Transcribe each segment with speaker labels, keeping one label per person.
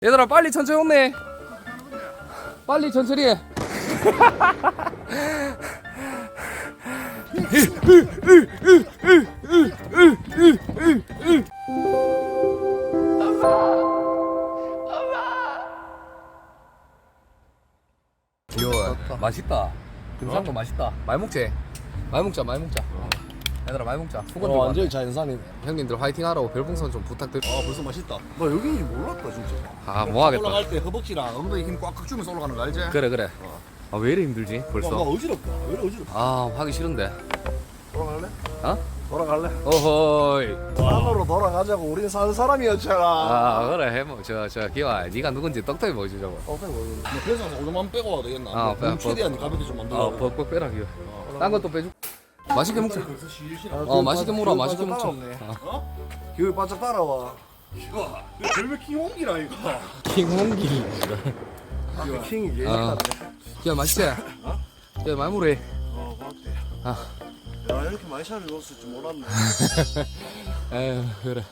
Speaker 1: 얘들아 빨리 천천히 오네. 빨리 천천히 해. 이거 맛있다. 금상도 맛있다. 많이 먹지? 많이 먹자. 얘들아 많이 먹자. 수건 좀
Speaker 2: 완전히 자연산이네.
Speaker 1: 형님들 화이팅 하라고 별풍선 좀 부탁드려.
Speaker 2: 벌써 맛있다. 나 여기인지 몰랐다 진짜.
Speaker 1: 아 뭐하겠다.
Speaker 2: 올라갈 때 허벅지랑 엉덩이 힘 꽉꽉 주면서 올라가는 거 알지?
Speaker 1: 그래. 아 왜 이래 힘들지 벌써?
Speaker 2: 나 어지럽다. 왜 이래 어지럽다.
Speaker 1: 아 하기 싫은데.
Speaker 2: 돌아갈래?
Speaker 1: 어?
Speaker 2: 돌아갈래?
Speaker 1: 어허이.
Speaker 2: 산으로 돌아가자고. 우린 사는 사람이었잖아.
Speaker 1: 아 그래 해뭐 저 기와 네가 누군지 떡떡이 보여주자고.
Speaker 2: 그래서 오줌만 빼고 와도 되겠나?
Speaker 1: 아, 빼,
Speaker 2: 최대한 가볍게 좀 만들어.
Speaker 1: 아 벅벅 빼라 기와. 딴 것도 빼줄. 맛있게 먹자. 맛있게 먹으라 맛있게 먹자.
Speaker 2: 기울 바짝 따라와. 이거 별명 킹홍기라 이거.
Speaker 1: 킹홍기.
Speaker 2: 킹이
Speaker 1: 아. 기와 맛있지? 기와 많이 먹으래.
Speaker 2: 고맙대.
Speaker 1: 아.
Speaker 2: 야 이렇게 많이 샤를 넣었을 줄 몰랐네.
Speaker 1: 에휴 그래.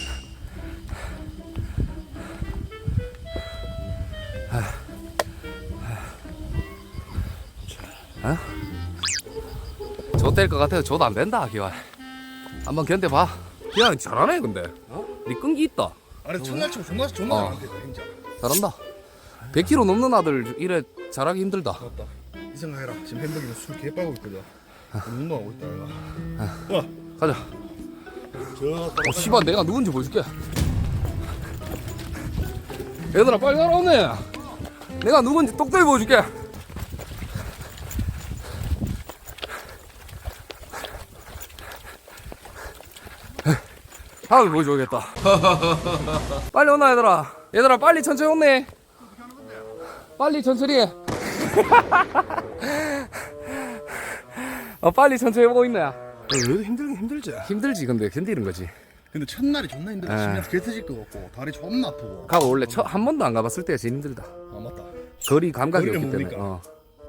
Speaker 1: 아? 좆될 것 같아서 좆 안 된다 기와. 한번 견뎌봐. 기와 잘하네 근데. 네 끈기 있다.
Speaker 2: 아니 첫날 치고 존나 잘한대 진짜.
Speaker 1: 잘한다. 100kg 넘는 아들 이래 잘하기 힘들다.
Speaker 2: 맞다. 이 생각해라. 지금 햄버기는 술 개빨고 있거든. 운동하고 있다 얘가.
Speaker 1: 가자. 씨발 내가 누군지 보여줄게. 얘들아 빨리 따라오네. 내가 누군지 똑똑히 보여줄게. 하을 보여줘야겠다. 빨리 오나 얘들아 빨리 천천히 오네. 빨리 천천히 해. 빨리 천천히 오고 있네.
Speaker 2: 왜 힘들긴 힘들지.
Speaker 1: 힘들지 근데 견디는 거지.
Speaker 2: 근데 첫날이 존나 힘들다. 심장 개터질 것 같고 다리 존나 아프고.
Speaker 1: 가고 원래 한 번도 안 가봤을 때가 제일 힘들다.
Speaker 2: 아 맞다.
Speaker 1: 거리 감각이
Speaker 2: 거리를
Speaker 1: 없기 때문에.
Speaker 2: 모르니까.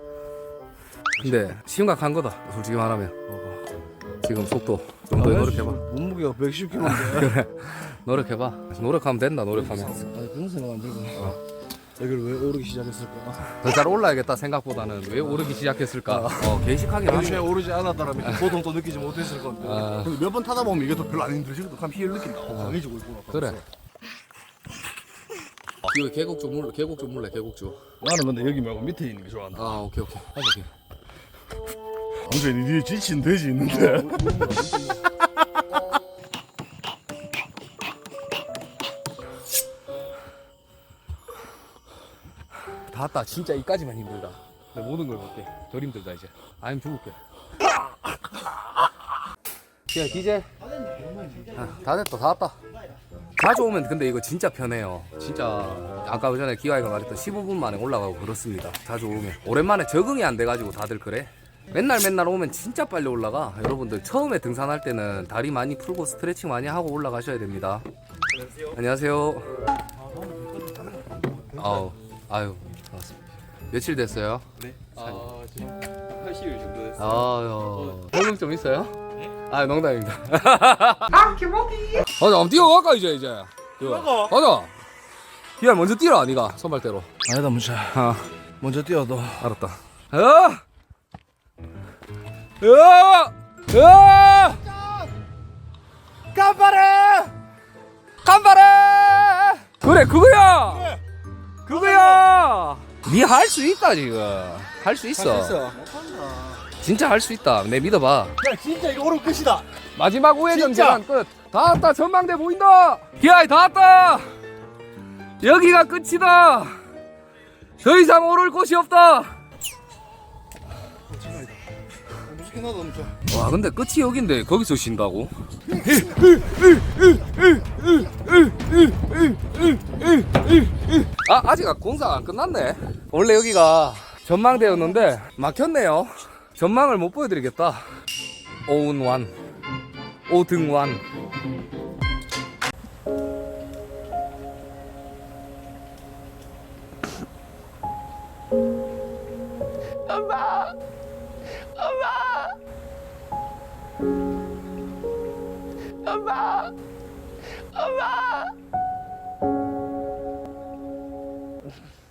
Speaker 1: 근데 심각한 거다. 솔직히 말하면. 지금 속도 좀 더 노력해봐.
Speaker 2: 몸무게가 110kg인데.
Speaker 1: 그래. 노력해봐. 노력하면 된다. 노력하면.
Speaker 2: 그런 생각 안 들고. 여기를 왜 오르기 시작했을까?
Speaker 1: 더 잘 올라야겠다 생각보다는. 왜 오르기 시작했을까? 개식하게
Speaker 2: 당시에 오르지 않았다면 고통도 느끼지 못했을 건데. 근데 몇 번 타다 보면 이게 더 별로 안 힘들지도. 그럼 피해를 느낀다. 강해지고 있구나.
Speaker 1: 그래. 이거 계곡 좀 물래.
Speaker 2: 나는 근데 여기 말고 밑에 있는 게 좋아한다.
Speaker 1: 아 오케이. 하자.
Speaker 2: 언제 니 지친 돼지 있는데?
Speaker 1: 다 왔다. 진짜 이까지만 힘들다. 내 모든 걸 볼게. 덜 힘들다 이제. 아니면 죽을게. 야 기재. 다 됐다. 다 왔다. 자주 오면 근데 이거 진짜 편해요. 진짜 아까 전에 기아이가 말했던 15분 만에 올라가고 그렇습니다. 자주 오면. 오랜만에 적응이 안 돼가지고 다들 그래. 맨날 오면 진짜 빨리 올라가. 여러분들 처음에 등산할 때는 다리 많이 풀고 스트레칭 많이 하고 올라가셔야 됩니다. 안녕하세요. 아유 반갑습니다. 며칠 됐어요?
Speaker 3: 네. 지금 80일 정도 됐어요.
Speaker 1: 아유 설명 좀 있어요? 네? 아 농담입니다. 김호기. 가자 한번 뛰어갈까 이제. 가자. 기아 먼저 뛰라 네가 선발대로.
Speaker 2: 아니다 문차. 먼저 뛰어도.
Speaker 1: 알았다. 깜바레. 그래 그거야. 니 할 수 있다 지금. 할 수 있어. 진짜 할 수 있다. 내 믿어봐.
Speaker 2: 야 진짜 이거 오른 끝이다.
Speaker 1: 마지막 우회전
Speaker 2: 진짜?
Speaker 1: 계단 끝. 다 왔다. 전망대 보인다. 기아이 다 왔다. 여기가 끝이다. 더 이상 오를 곳이 없다.
Speaker 2: 무섭긴 하다 문차.
Speaker 1: 와 근데 끝이 여긴데 거기서 쉰다고? 아직 공사가 안 끝났네. 원래 여기가 전망대였는데 막혔네요. 전망을 못 보여드리겠다. 오운완 오등완. 어.